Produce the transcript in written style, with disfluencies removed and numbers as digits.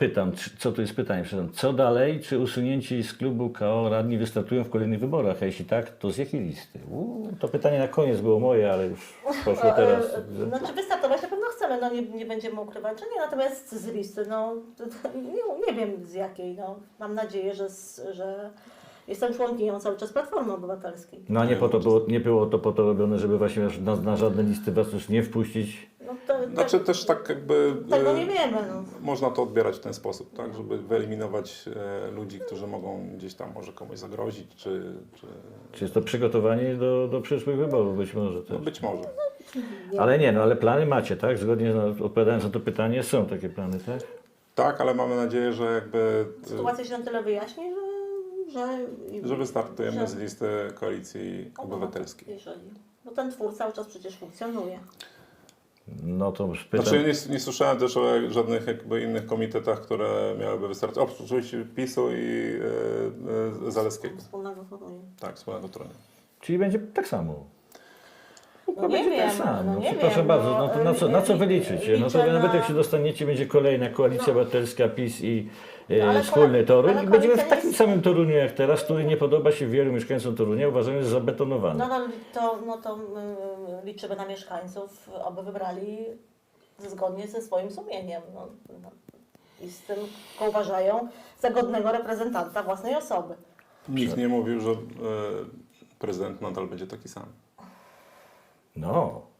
pytam, co to jest pytanie, przepraszam, co dalej, czy usunięci z klubu KO radni wystartują w kolejnych wyborach, a jeśli tak, to z jakiej listy? To pytanie na koniec było moje, ale już poszło teraz. Znaczy wystartować na pewno chcemy, no nie będziemy ukrywać, że nie, natomiast z listy, no nie wiem z jakiej, no mam nadzieję, że jestem członkinią cały czas Platformy Obywatelskiej. No a nie było to po to robione, żeby właśnie na żadne listy was już nie wpuścić? No to, Znaczy też tak jakby tego nie wiemy, no. można to odbierać w ten sposób, tak, żeby wyeliminować ludzi, którzy mogą gdzieś tam może komuś zagrozić, Czy jest to przygotowanie do przyszłych wyborów być może no też? być może. Ale plany macie, tak? Zgodnie odpowiadając na to pytanie, są takie plany, tak? Tak, ale mamy nadzieję, że jakby Sytuacja się na tyle wyjaśni, że wystartujemy że- z listy Koalicji Obywatelskiej. Bo ten twór cały czas przecież funkcjonuje. No to już pytam. Znaczy nie słyszałem też o żadnych jakby innych komitetach, które miałyby wystartować. Oprócz oczywiście PiS-u i Zaleskiego. Wspólnego Torunia. Tak, wspólnego Torunia. Czyli będzie tak samo. No nie będzie wiem, tak samo. no nie Przepraszam wiem, bardzo, no, no to na co wy liczycie? No to liczę nawet na- jak się dostaniecie, będzie kolejna koalicja obywatelska, PiS i ale wspólny Toruń ale i będziemy w koalicja takim jest- samym Toruniu jak teraz, który nie podoba się wielu mieszkańcom Torunia, uważamy, że jest zabetonowany. No to liczymy na mieszkańców, aby wybrali zgodnie ze swoim sumieniem. I z tym, co uważają za godnego reprezentanta własnej osoby. Nikt nie mówił, że prezydent nadal będzie taki sam. No,